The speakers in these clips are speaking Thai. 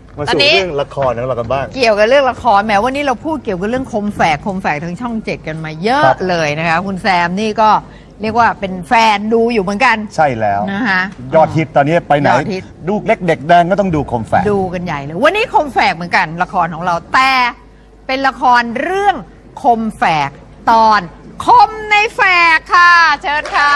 มาสู่เรื่องละครของเรากันบ้างเกี่ยวกับเรื่องละครแม้วันนี้เราพูดเกี่ยวกับเรื่องคมแฝกทางช่อง7กันมาเยอะเลยนะคะคุณแซมนี่ก็เรียกว่าเป็นแฟนดูอยู่เหมือนกันใช่แล้วนะคะยอดฮิตตอนนี้ไปไหนลูกเล็กเด็กแดงก็ต้องดูคมแฝกดูกันใหญ่เลยวันนี้คมแฝกเหมือนกันละครของเราแต่เป็นละครเรื่องคมแฝกตอนคมในแฝกค่ะเชิญค่ะ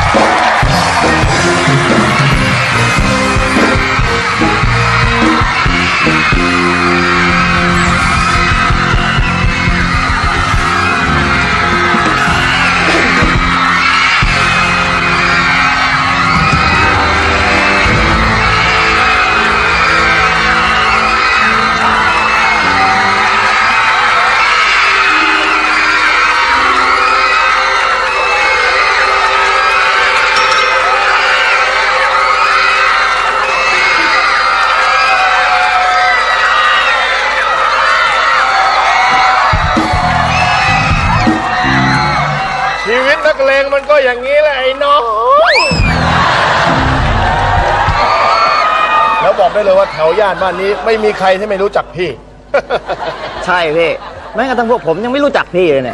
ชีวิตนักเลงมันก็อย่างนี้แหละไอ้น้องแล้วบอกได้เลยว่าแถวย่านบ้านนี้ไม่มีใครที่ไม่รู้จักพี่ใช่พี่แม้กระทั่งพวกผมยังไม่รู้จักพี่เลยเนี่ย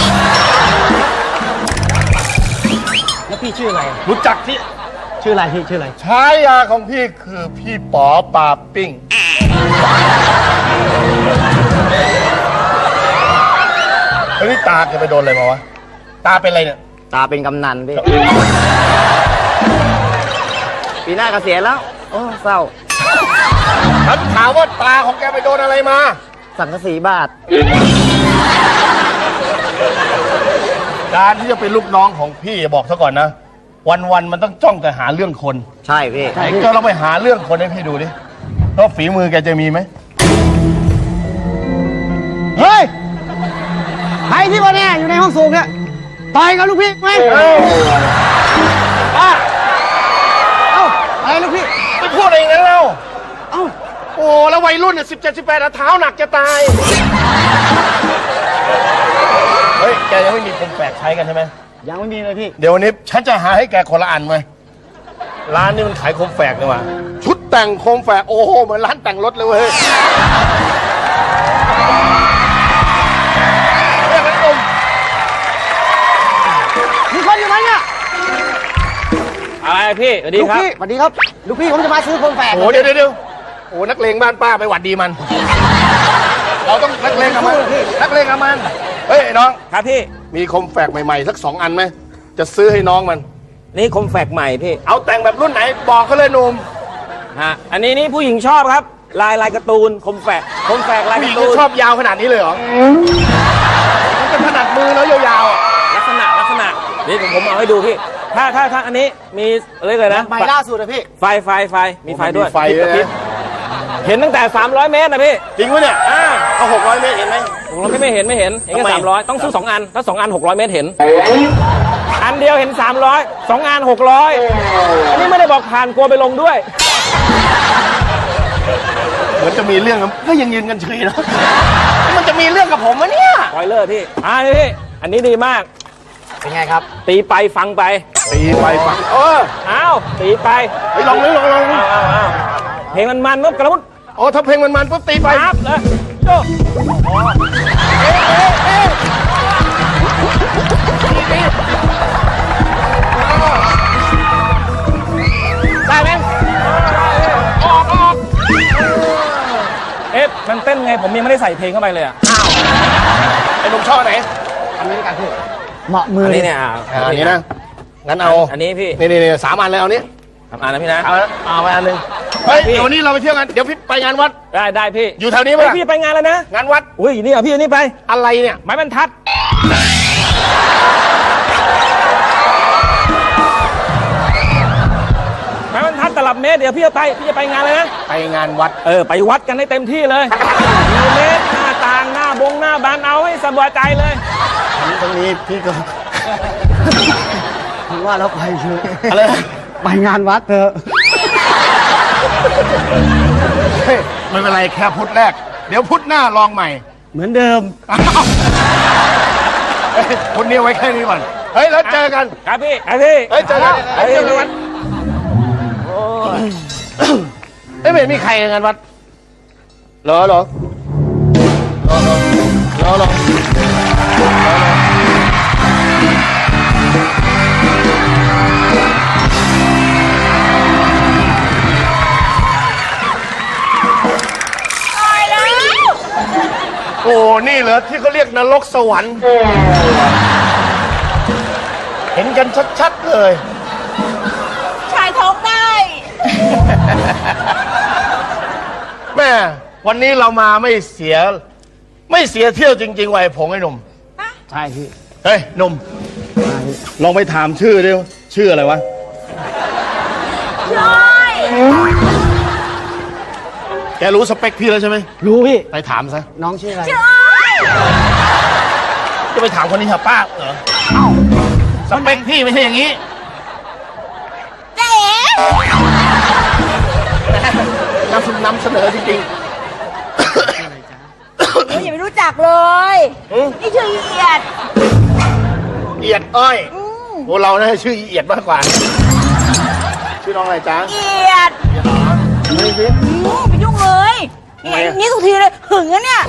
แล้วพี่ชื่ออะไรรู้จักที่ชื่ออะไรพี่ชื่ออะไรฉายาของพี่คือพี่ป๋อปาปิ้งเฮ้ยนี่ตาแกไปโดนอะไรมาวะตาเป็นอะไรเนี่ยตาเป็นกำนันพี่ปีหน้าเกษียณแล้วโอ้เศร้าฉันถามว่าตาของแกไปโดนอะไรมาสังกะสีบาทการที่จะเป็นลูกน้องของพี่บอกซะก่อนนะวันมันต้องจ้องแต่หาเรื่องคนใช่พี่ไหนก็เราไปหาเรื่องคนให้พี่ดูดิว่าฝีมือแกจะมีไหมเฮ้ยใครที่วันนี้อยู่ในห้องสูงเนี่ยต่อยกับลูกพี่ไหมป้าเอ้าอะไรลูกพี่ไม่พูดอะไรอย่างนั้นแล้วเอ้าโอ้แล้ววัยรุ่นเนี่ย17-18เท้าหนักจะตายเฮ้ยแกยังไม่มีคมแฝกใช้กันใช่ไหมยังไม่มีเลยพี่เดี๋ยววันนี้ฉันจะหาให้แกคนละอันไหมร้านนี้มันขายโคมแฝกเลยว่ะชุดแต่งโคมแฝกโอ้โหเหมือนร้านแต่งรถเลยเว้ยเรียกกันอมมีคนอยู่ไหมเนี่ยอะไรพี่สวัสดีครับสวัสดีครับลูกพี่ผมจะมาซื้อโคมแฝกโอ้เดี๋ยวโอ้นักเลงบ้านป้าไปหวัดดีมันเราต้องนักเลงกับมันนักเลงกับมันเฮ้ยไอ้น้องครับพี่มีคมแฝกใหม่ๆสัก2 อันไหมจะซื้อให้น้องมันนี่คมแฝกใหม่พี่เอาแต่งแบบรุ่นไหนบอกเขาเลยหนุ่มฮะอันนี้นี่ผู้หญิงชอบครับลายการ์ตูนคมแฝกลายผู้หญิงการ์ตูนชอบยาวขนาดนี้เลยเหรอมันเป็นถนัดมือแล้วยาวๆลักษณะนี่ผมเอาให้ดูพี่ถ้าอันนี้มีอะไรเลยนะใหม่ล่าสุดนะพี่ไฟมีไฟด้วยไฟเลยเห็นตั้งแต่300 เมตรนะพี่จริงวะเนี่ยเอา600 เมตรเห็นไหม 600ไม่เห็นแค่300ต้องซื้อ2 อันถ้า2 อัน600 เมตรเห็นอันเดียวเห็น300 2 อัน600อันนี้ไม่ได้บอกผ่านกลัวไปลงด้วยเหมือนจะมีเรื่องก็ยังยืนกันเฉยนะมันจะมีเรื่องกับผมวะเนี่ยปล่อยเลิกพี่พี่อันนี้ดีมากเป็นไงครับตีไปฟังไปฟังอ้าวตีไปลองเพลงมันปุ๊บกระมุดถ้าเพลงมันปุ๊บตีไปครับเลยโจ้ได้ไหมออกมันเต้นไงผมยังไม่ได้ใส่เพลงเข้าไปเลยไอ้หนุ่มชอบไหนอันนี้กันพี่เหมาะมืออันนี้เนี่ยอันนี้นะงั้นเอาอันนี้พี่นี่3 อันเลยเอานี้ 3 อันนะพี่นะเอาไปอันนึงเฮ้ยเดี๋ยววันนี้เราไปเที่ยวกันเดี๋ยวพี่ไปงานวัดได้พี่อยู่แถวนี้ไหมพี่ไปงานแล้วนะงานวัดอุ้ยนี่พี่นี่ไปอะไรเนี่ยไม้บรรทัดไม้บรรทัดตลับเมตรเดี๋ยวพี่จะไปงานเลยนะไปงานวัดไปวัดกันให้เต็มที่เลยเมตรหน้าต่างหน้าบานเอาให้สบายใจเลยตรงนี้พี่ก็ถือว่าเราไปเถอะอะไรไปงานวัดเถอะไม่เป็นไรแค่พุธแรกเดี๋ยวพุธหน้าลองใหม่เหมือนเดิมพุธนี้ไว้แค่นี้ก่อนเฮ้ยแล้วเจอกันครับพี่เฮ้ยเจอกันไม่เห็นมีใครในงานวัดเหรอเหรอเหรอเหรอโอ้นี่เหรอที่เขาเรียกนรกสวรรค์ เห็นกันชัดๆเลยชายท้องได้แม่วันนี้เรามาไม่เสียเที่ยวจริงๆว่ะไอ้ผงไอ้หนุ่มใช่พี่เฮ้ยหนุ่มลองไปถามชื่อดิชื่ออะไรวะช่วยแกรู้สเปคพี่แล้วใช่ไหมรู้พี่ไปถามซะน้องชื่ออะไรจะไปถามคนนี้เหรอป้าเหรอสเปคพี่ไม่ใช่อย่างนี้เจ๊นำเสนอจริงหนูยังไม่รู้จักเลย นี่ชื่อเอียดๆเอียดอ้อยพวกเราน่าจะชื่อเอียดมากกว่า ชื่อน้องอะไรจ๊ะเอียดนี่สิไปยุ่งเลยทำไมอะนี่ทุกทีเลยหึงอะเนี่ย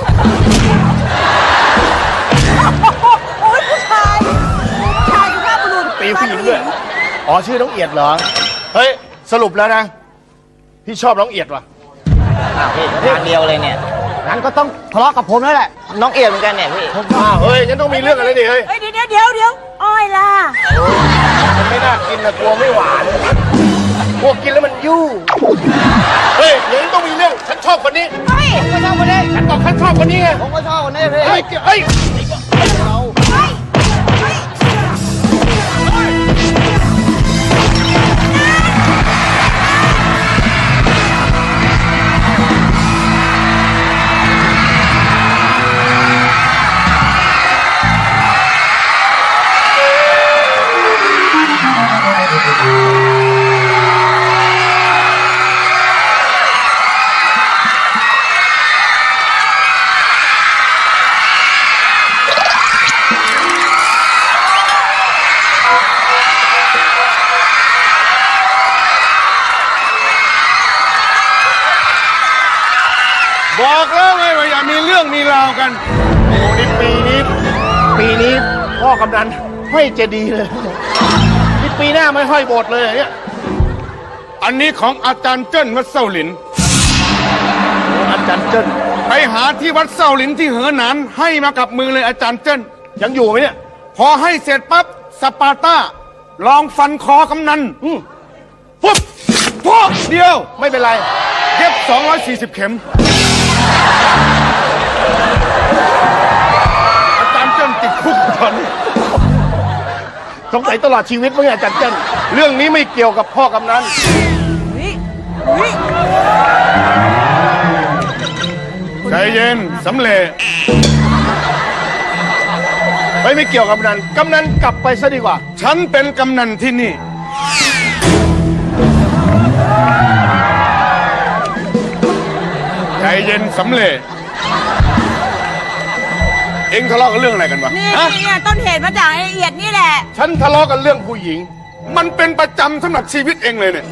โอ้ยผู้ชายสุภาพบุรุษตีผู้หญิงด้วยอ๋อชื่อน้องเอียดเหรอเฮ้ยสรุปแล้วนะพี่ชอบน้องเอียดว่ะพี่ทางเดียวเลยเนี่ยงั้นก็ต้องทะเลาะกับผมแล้วแหละน้องเอียดเหมือนกันเนี่ยพี่อ้าวเฮ้ยงั้นต้องมีเรื่องอะไรดิเฮ้ยเฮ้ยเดี๋ยวอ้อยล่ะมันไม่น่ากินนะกลัวไม่หวานกลัวกินแล้วมันยู่เฮ้ยอย่างนี้ต้องมีเรื่องฉันชอบคนนี้เฮ้ยฉันชอบคนนี้ฉันบอกฉันชอบคนนี้ไงผมก็ชอบคนนี้พี่เฮ้ยเฮ้ยบอกแล้วไงว่าอย่ามีเรื่องมีราวกันโอ้นี่ปีนี้พ่อกำนันห้อยเจดีย์เลยนี่ปีหน้าไม่ห้อยโบสถ์เลยเหรอเนี่ยอันนี้ของอาจารย์เจิ้นวัดเส้าหลินอาจารย์เจิ้นไปหาที่วัดเส้าหลินที่เหอหนานให้มากับมือเลยอาจารย์เจิ้นยังอยู่ไหมเนี่ยพอให้เสร็จปั๊บสปาร์ต้าลองฟันคอกำนันปุ๊บพวกเดียวไม่เป็นไรเย็บ240 เข็ม อาจารย์เจิ้นติดคุกตอนนี้สงสัยตลอดชีวิตมั้งเนี่ยอาจารย์เจิ้นเรื่องนี้ไม่เกี่ยวกับพ่อกำนันใจเย็นสำเร็จไม่เกี่ยวกับกำนันกลับไปซะดีกว่าฉันเป็นกำนันที่นี่ ใจเย็นสำเร็จ เอ็งทะเลาะกันเรื่องอะไรกันวะนี่ฮะเนี่ยต้นเหตุมาจากไอ้เอียดนี่แหละฉันทะเลาะกันเรื่องผู้หญิงมันเป็นประจำสำหรับชีวิตเองเลยเนี่ย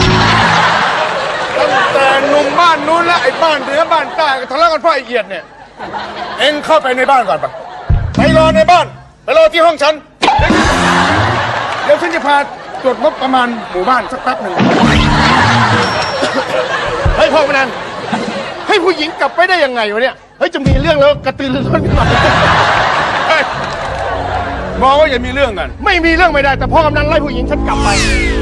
ตั้งแต่หนุ่มบ้านนู้นและไอ้บ้านเหนือบ้านใต้ก็ทะเลาะกันเพราะไอ้เอียดเนี่ย เอ็งเข้าไปในบ้านก่อนปะไปรอในบ้าน ไปรอที่ห้องฉัน เดี๋ยวฉันจะพาตรวจงบประมาณหมู่บ้านสักแป๊บหนึ่งเฮ้ยพ่อกำนันให้ผู้หญิงกลับไปได้ยังไงวะเนี่ยเฮ้ยจะมีเรื่องแล้วกระตือรือร้นขึ้นมาเฮ้ยมองว่าอย่ามีเรื่องกันไม่มีเรื่องไม่ได้แต่พ่อกำนันไล่ผู้หญิงฉันกลับไป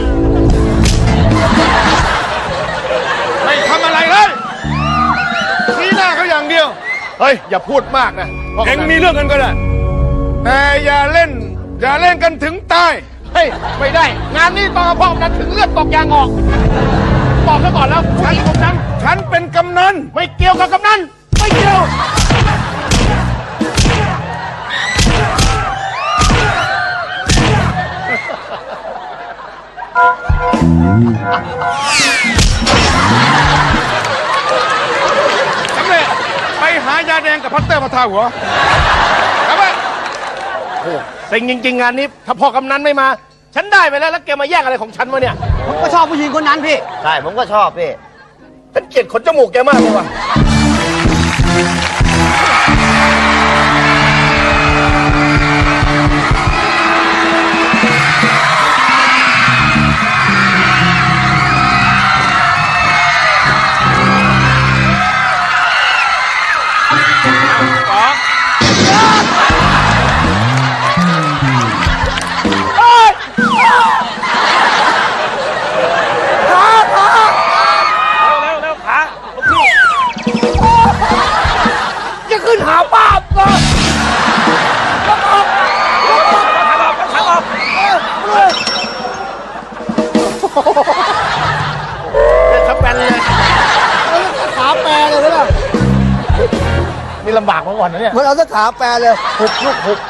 ไม่ทำอะไรเลยชี้หน้าเขาอย่างเดียวเฮ้ยอย่าพูดมากนะพ่อกำนันเอ็งมีเรื่องกันก็ได้ แต่อย่าเล่นกันถึงตายเฮ้ยไม่ได้ งานนี้ต้องเอาพ่อกำนันถึงเลือดตกยางออกบอกซะก่อนแล้วผู้หญิงของฉันฉันเป็นกำนันไม่เกี่ยวกับกำนันไม่เกี่ยวสำเร็จไปหายาแดงกับพัตเตอร์มาทาหัวครับไปโอ้เซ็งจริงๆงานนี้ ถ้าพ่อกำนันไม่มา ฉันได้ไปแล้วแล้วแกมาแย่งอะไรของฉันวะเนี่ยผมก็ชอบผู้หญิงคนนั้นพี่ใช่ ผมก็ชอบพี่ฉันเกลียดขนจมูกแกมากเลยว่ะเร็วเร็วขาลูกพี่จะขึ้นหาป้าบก่อนทางออกเป็นสแปนเลยขาแปรเลยนะนี่ลำบากมาก่อนนะเนี่ยมันเอาสักขาแปรเลยหุบลูกหุบ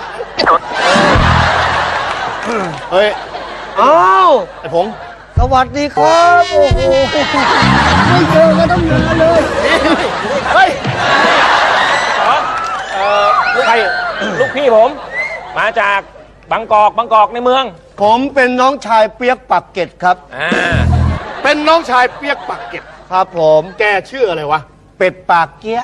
เฮ้ยอ้าวไอ้ผงสวัสดีครับ โอ้โหไม่เจอกันตั้งนานเลยเฮ้ยใครลูกพี่ผม มาจากบางกอกในเมืองผมเป็นน้องชายเปียกปักเกร็ดครับเป็นน้องชายเปียกปากเก็บครับผมแกชื่ออะไรวะเป็ดปากเกี้ย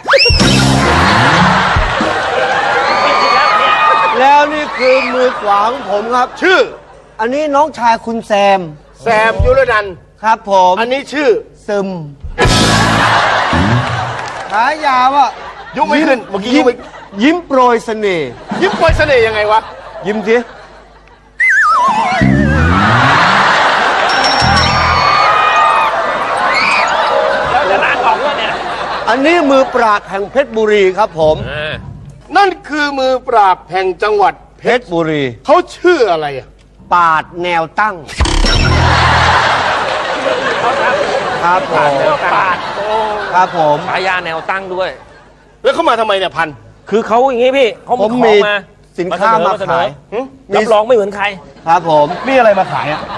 แล้วนี่คือมือขวาของผมครับชื่ออันนี้น้องชายคุณแซมแซมยุรนันท์ครับผมอันนี้ชื่อซึมฉายาว่ายุไม่ขึ้นเมื่อกี้ยุไม่ยิ้มโปรยเสน่ห์ยิ้มโปรยเสน่ห์ยังไงวะยิ้มสิแล้วจะล้างออกด้วยเนี่ยอันนี้มือปราดแห่งเพชรบุรีครับผมนั่นคือมือปราบแห่งจังหวัดเพชรบุรีเขาชื่ออะไรอ่ะปาดแนวตั้ง ครับผมปาดโอ้ครับผมฉายาแนวตั้งด้วยแล้วเขามาทำไมเนี่ยพันคือเขาอย่างงี้พี่เขาผมขอมีงมาสินค้ามาเสนขาอยหึรับรองไม่เหมือนใครครับผมมีอะไรมาขายอ่ะ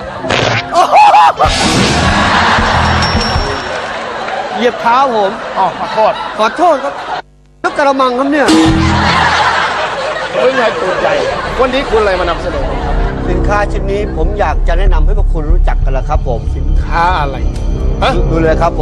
เหยียบเท้าผมอ๋อขอโทษขอโทษครับแล้วกระมังครับเนี่ยไม่ใช่ตัวใหญ่ วันนี้คุณอะไรมานำเสนอสินค้าชิ้นนี้ผมอยากจะแนะนำให้พวกคุณรู้จักกันละครับผมค้าอะไรฮะดูเลยครับผม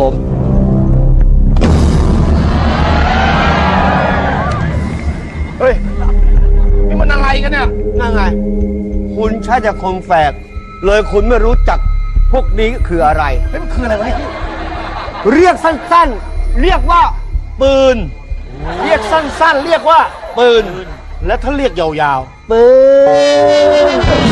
เฮ้ย นี่มันอะไรกันเนี่ยนั่นไง คุณใช้แต่คมแฝก เลยคุณไม่รู้จักพวกนี้คืออะไรเฮ้ยมันคืออะไรวะเนี่ยเรียกสั้นๆ เรียกว่า ปืนเรียกสั้นๆ เรียกว่าปืนและถ้าเรียกยาวปืน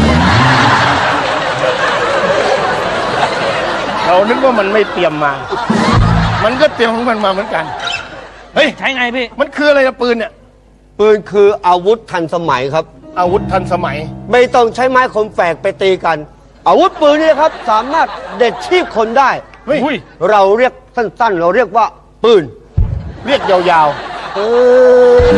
ๆ เรานึกว่ามันไม่เตรียมมา มันก็เตรียมของมันมาเหมือนกัน เฮ้ยใช้ไงพี่มันคืออะไรนะปืนเนี่ยปืนคืออาวุธทันสมัยครับอาวุธทันสมัยไม่ต้องใช้ไม้คมแฝกไปตีกัน อาวุธปืนนี่ครับ สามารถเด็ดชีพคนได้เฮ้ยเราเรียกสั้นๆ เราเรียกว่า ปืนเรียกยาวปืน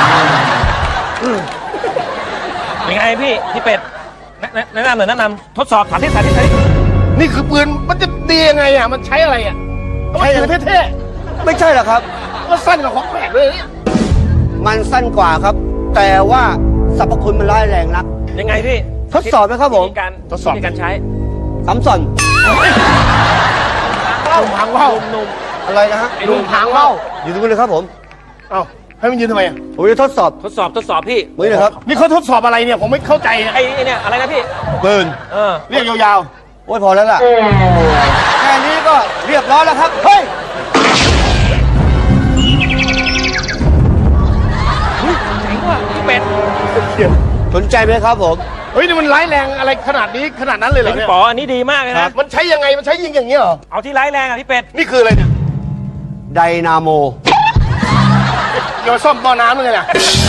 ยังไงพี่เป็ดแนะนำหน่อยแนะนำทดสอบสาธิตๆ นี่คือปืน มันจะดียังไงอ่ะ มันใช้อะไรอ่ะใช้ถือเท่ไม่ใช่หรอกครับๆก็สั้นกว่าของแปลกเลยเนี่ยมันสั้นกว่าครับ แต่ว่าสรรพคุณมันร้ายแรงนักยังไงพี่ทดสอบไหมครับผมวิธีการทดสอบวิธีการใช้ซ้ำสอนนุ่มหางว่าวนุ่มอะไรนะฮะไอ้นุ่มหางว่าวอยู่ตรงนี้เลยครับผมเอ้าให้มันยืนทำไมอ่ะผมจะทดสอบทดสอบพี่มือเลยครับนี่เขาทดสอบอะไรเนี่ย ผมไม่เข้าใจนะไอ้เนี่ยอะไรนะพี่ปืนเรียกยาวโอ้ยพอแล้วล่ะ แค่นี้ก็เรียบร้อยแล้วครับ เฮ้ยเจ๋งว่ะพี่เป็ดสนใจไหมครับผมๆ เฮ้ย นี่มันร้ายแรงอะไรขนาดนี้ขนาดนั้นเลยเหรอพี่เนี่ยป๋ออันนี้ดีมากเลยครันะบมันใช้ยังไง มันใช้ยิงอย่างเงี้ยเหรอเอาที่ร้ายแรงอ่ะพี่เป็ดนี่คืออะไรเนี่ยไดนาโมโยนซ่อมบ่อน้ำเลยนะ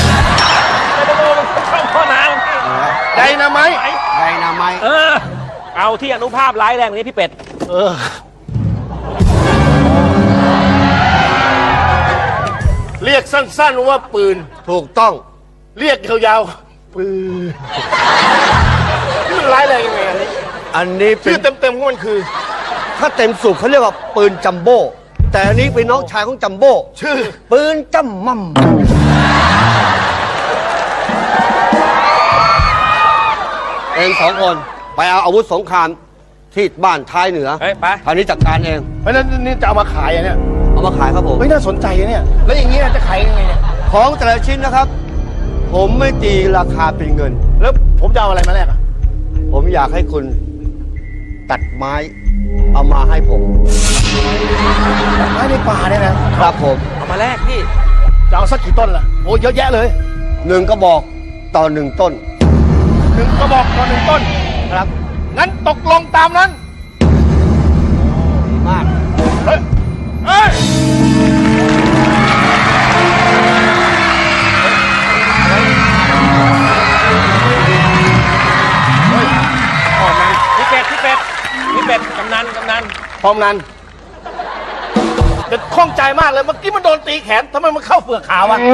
เข้าข้อน้ำไดนาไมต์ไดนาไมต์เอาที่อนุภาพร้ายแรงนี้พี่เป็ดเรียกสั้นๆว่าปืนถูกต้องเรียกยาวๆ ปืน นี่มันร้ายแรงยังไงอันนี้อันนี้เป็ชื่อน เต็มๆของมันคือถ้าเต็มสูบเขาเรียกว่าปืนจัมโบ้ แต่อันนี้เป็นน้องชายของจัมโบ้ชื่อปืนจัมมั่มเองสองคนไปเอาอาวุธสงครามที่บ้านท้ายเหนือเฮ้ยไปคราวนี้จัดการเองเพราะฉะนั้นนี่จะเอามาขายอ่ะเนี่ยเอามาขายครับผมเฮ้ยน่าสนใจเนี่ย แล้วอย่างนี้จะขายยังไงเนี่ยของแต่ละชิ้นนะครับ ผมไม่ตีราคาเป็นเงินแล้วผมจะเอาอะไรมาแลกอ่ะผมอยากให้คุณตัดไม้เอามาให้ผมไม้ในป่าเนี่ยนะครับผมเอามาแลกพี่จะเอาสักกี่ต้นล่ะโอ้เยอะแยะเลย 1 กระบอกต่อ 1 ต้น 1 กระบอกต่อ1 ต้นครับงั้นตกลงตามนั้นดีมากเฮ้ยเฮ้ยพี่เป็ดกำนันพร้อมนั้นเด็ดข้องใจมากเลย เมื่อกี้มันโดนตีแขนทำไมมันเข้าเปลือกขาวะ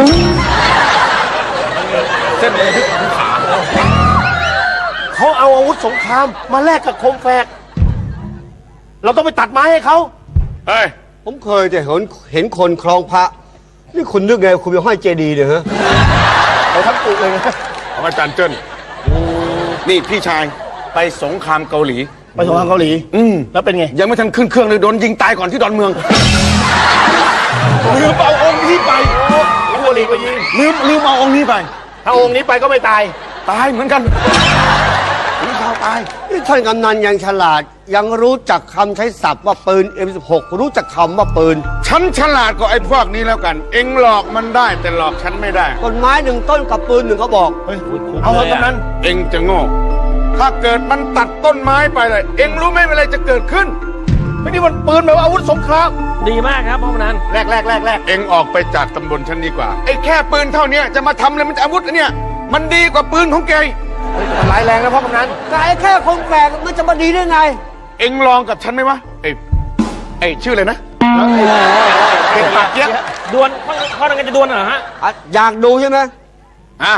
เส้นเลยที่ขาเขาเอาอาวุธสงครามมาแลกกับโคมแฝก เราต้องไปตัดไม้ให้เขาเฮ้ยผมเคยแต่เห็นคนคลองพระ นี่คุณนึกไงคุณไปห้อยเจดีย์เนี่ยฮะเอาทั้งปุกเลยนะของอาจารย์เจิ้นนี่พี่ชายไปสงครามเกาหลีไปสงครามเกาหลี แล้วเป็นไงยังไม่ทันขึ้นเครื่องเลยโดนยิงตายก่อนที่ดอนเมืองลืมเอาองค์นี้ไปโอ้โหลีก็ยิงลืมเอาองค์นี้ไป ถ้าองค์นี้ไปก็ไม่ตายตายเหมือนกันถึงข่าวตายนี่ท่านกำนันยังฉลาด ยังรู้จักคำใช้ศัพท์ว่าปืน M16 รู้จักคำว่าปืนฉันฉลาดกว่าไอ้พวกนี้แล้วกัน เอ็งหลอกมันได้แต่หลอกฉันไม่ได้ต้นไม้ 1 ต้นกับปืน 1 กระบอกเฮ้ย เอาเถอะกำนันเอ็งจะโง่ ถ้าเกิดมันตัดต้นไม้ไปเลย เอ็งรู้ไหมอะไรจะเกิดขึ้นไม่นี่มันปืนแบบอาวุธสงครามดีมากครับพ่อกำนันแรกเอ็งออกไปจากตำบลฉันดีกว่า ไอ้แค่ปืนเท่านี้จะมาทำอะไรมันจะอาวุธอันเนี่ย มันดีกว่าปืนของแกมันร้ายแรงนะพ่อกำนันแต่ไอ้แค่คงแฝกมันจะมาดีได้ไงเอ็งลองกับฉันไหมวะไอ้ชื่ออะไรนะเด็กปากเกี้ยดวลพ่อนังกันจะดวลเหรอฮะอยากดูใช่ไหมอ่ะ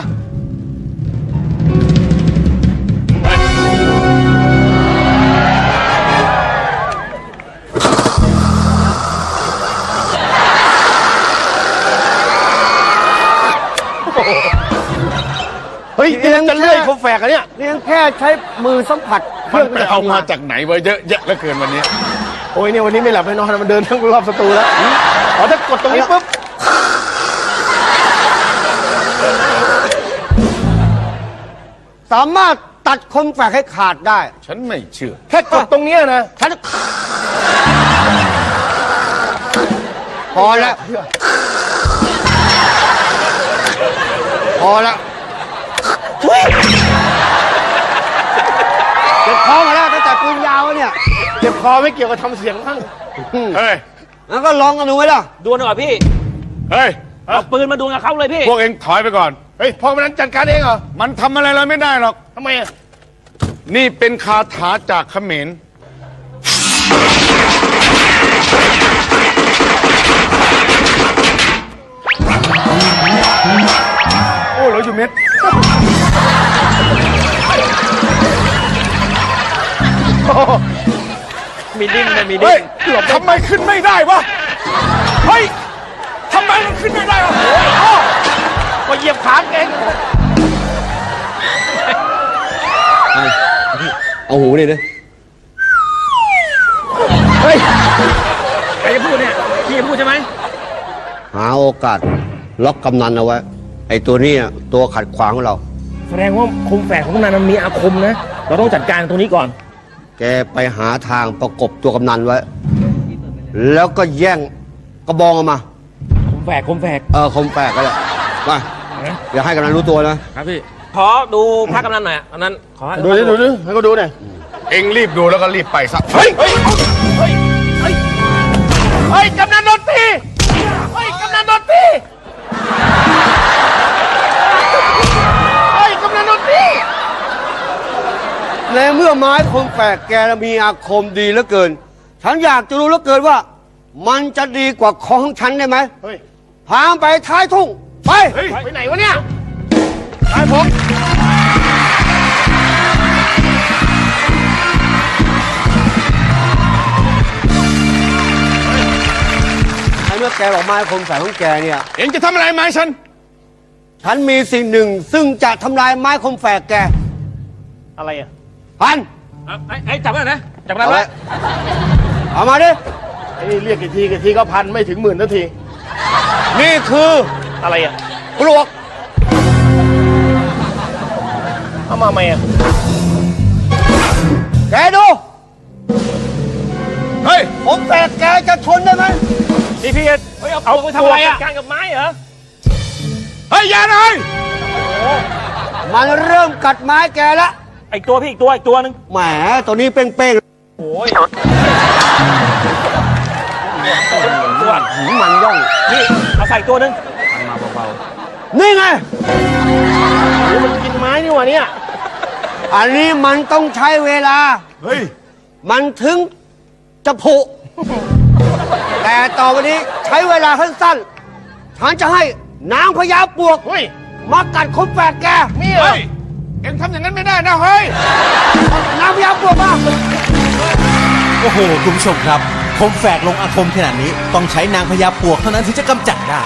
เฮ้ยนี่ยังจะเลื่อยโคมแฝกอะเนี่ยนี่ยังแค่ใช้มือสัมผัสเคมัรื่นองไปเอามาจากไหนวะเยอะแยะเหลือเกินวันนี้โอ้ยเนี่ยวันนี้ไม่หลับไม่นอนมันเดินทั้งรอบสตูแล้วอ๋อถ้ากดตรงนี้ปุ๊บสามารถตัดคมแฝกให้ขาดได้ฉันไม่เชื่อแค่กดตรงเนี้ยนะฉันพอแล้ว พอแล้วเจ็บคอมาแล้วตั้งแต่ปืนยาวแล้วเนี่ยเจ็บคอไม่เกี่ยวกับทำเสียงทั้งเฮ้ยแล้วก็ลองกันดูไหมล่ะดวลดีกว่าพี่เฮ้ยเอาปืนมาดวลกับเขาเลยพี่พวกเอ็งถอยไปก่อนเฮ้ยพ่อกำนันจัดการเองเหรอมันทำอะไรเราไม่ได้หรอกทำไมอะนี่เป็นคาถาจากเขมรโอ้เหลืออยู่เม็ดมีดิ้นเลยมีดิ้เฮ้ยนทำไมขึ้นไม่ได้วะ เฮ้ยทำไมมันขึ้นไม่ได้วะก็เหยียบขาเองเอาหูนี่ดิเฮ้ยใครจะพูดเนี่ย พี่จะพูดใช่ไหมหาโอกาสล็อกกำนันเอาไว้ ไอ้ตัวนี้ตัวขัดขวางของเราแสดงว่าคมแฝกของกำนันมันมีอาคมนะ เราต้องจัดการตรงนี้ก่อนแกไปหาทางประกบตัวกำนันไว้ แล้วก็แย่งกระบองออกมาคมแฝกคมแฝกก็ได้มาอย่าให้กำนันรู้ตัวนะครับพี่ ขอดูพระกำนันหน่อยอันนั้นขอดูดิให้ก็ดูหน่อยเอ็งรีบดูแล้วก็รีบไปซะเฮ้ย เฮ้ย เฮ้ย เฮ้ย เฮ้ยกำนันโดนตี เฮ้ยกำนันโดนตี เฮ้ยกำนันโดนตีในเมื่อไม้คมแฝกแกมีอาคมดีเหลือเกิน ฉันอยากจะรู้เหลือเกินว่า มันจะดีกว่าของฉันได้ไหมเฮ้ยพาไปท้ายทุ่ง ไปเฮ้ย ไปไหนวะเนี่ยตายผมในเมื่อแกบอกไม้คมแฝกของแกเนี่ยเอ็งจะทำอะไรไหมาให้ฉันฉันมีสิ่งหนึ่งซึ่งจะทำลายไม้คมแฝกแกอะไรอ่ะพันไอ้จับไว้หน่อยนะ จับได้เอาไหมไว้เอามาดิแกไอ้นี่เรียกกี่ทีก็พันไม่ถึงหมื่นนาที นี่คืออะไรอ่ะปลวกเอามาไหมอ่ะแกดูเฮ้ยผมแตกแกจะทนได้ไหมพี่เอาไปทำอะไรอ่ะการกับไม้เหรอเฮ้ยอย่าหน่อยมันเริ่มกัดไม้แกละอีกตัวหนึงแหมตัวนี้เป้งโอ้ยๆมันย่องนี่เอาใส่ตัวหนึงนี่ไงมันกินไม้นี่หว่าเนี่ยอันนี้มันต้องใช้เวลาเฮ้ยมันถึงจะผุ แต่ต่อไปนี้ใช้เวลาสั้นๆฉันจะให้นางพญาปลวกเฮ้ยมากัดคมแฝดแกนี่เหรอเฮ้ย เอ็งทำอย่างนั้นไม่ได้นะเฮ้ยนางพญาปลวกมาโอ้โห คุณผู้ชมครับ คมแฝกลงอาคมขนาดนี้ ต้องใช้นางพญาปลวกเท่านั้นถึงจะกำจัดได้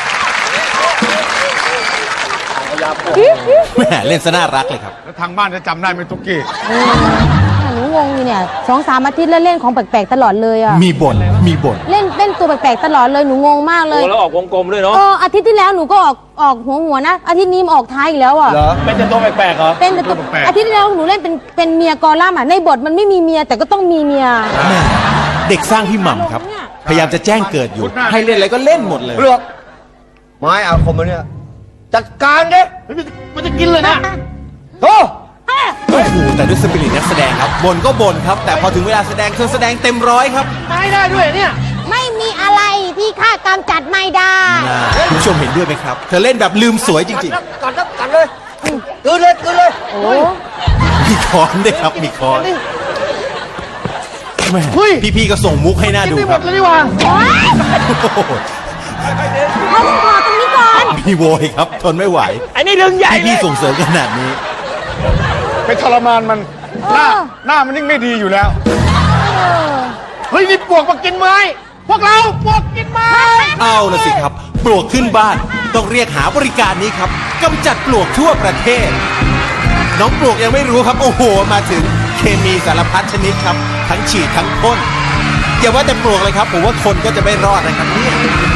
แหมเล่นซะน่ารักเลยครับแล้วทางบ้านจะจำได้ไหมตุ๊กกี้หนูงงอยู่เนี่ย2-3 อาทิตย์แล้วเล่นของแปลกๆตลอดเลยอ่ะมีบ่น มีบ่นเล่นตัวแปลกๆตลอดเลยหนูงงมากเลโอ้ยแล้วออกวงกลมด้วยเนาะอาทิตย์ที่แล้วหนูก็ออกหัวนะ อาทิตย์นี้มาออกท้ายอีกแล้วอ่ะเป็นแต่ตัวแปลกๆเหรอเป็นแต่ตัวอาทิตย์ที่แล้วหนูเล่นเป็นเมียกอลัมน์อ่ะในบทมันไม่มีเมียแต่ก็ต้องมีเมียแม่เด็กสร้างพี่หม่ำครับ พยายามจะแจ้งเกิดอยู่ ให้เล่นอะไรก็เล่นหมดเลยเปลือกไม้อาคมมันเนี่ย จัดการเด้มันจะกินเลยนะโอ้โอ้โห แต่ด้วยสปิริตนักแสดงครับบ่นก็บ่นครับ แต่พอถึงเวลาแสดงเธอแสดงเต็มร้อยครับไม้ได้ด้วยเนี่ยไม่มีอะไรที่ข้ากำจัดไม่ได้คุณผู้ชมเห็นด้วยไหมครับ เธอเล่นแบบลืมสวยจริงกัดเลยกลืนเลยโอ้ๆ มีค้อนด้วยครับ มีค้อนแม่พี่ๆก็ส่งมุกให้หน้าดูไม่หคมรับดเลยนี่หว่าโอ้โหเอาขอตรงนี้ก่อนมีโวยครับ ทนไม่ไหวไอ้นี่เรื่องใหญ่เลพี่ยๆส่งเสริมขนาดนี้ไปทรมานมัน หน้ามันยิ่งไม่ดีอยู่แล้วเฮ้ยนี่ปลวกมากินไม้ พวกเราปลวกกินไม้เอาละสิครับ ปลวกขึ้นบ้าน ต้องเรียกหาบริการนี้ครับกำจัดปลวกทั่วประเทศ น้องปลวกยังไม่รู้ครับ โอ้โห มาถึงเคมีสารพัดชนิดครับ ทั้งฉีดทั้งพ่นอย่าว่าแต่ปลวกเลยครับ ผมว่าคนก็จะไม่รอดนะครับเนี่ย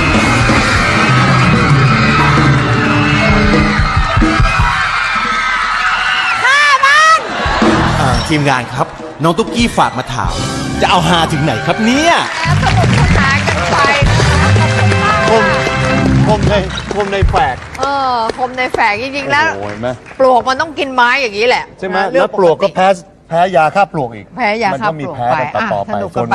ทีมงานครับ น้องตุ๊กกี้ฝากมาถาม จะเอาฮาถึงไหนครับเนี่ยสนุกสนานกันไปนะคะขอบคุณมากคมในแฝกคมในแฝกจริงๆแล้วโอ้ยไหมปลวกมันต้องกินไม้อย่างนี้แหละใช่ไหมเรื่แล้องวปลวกก็แพ้ยาฆ่าปลวกอีกแพ้ยาฆ่ามันก็มีปลวกแพ้ไปกันต่อๆไปสนุกกันไป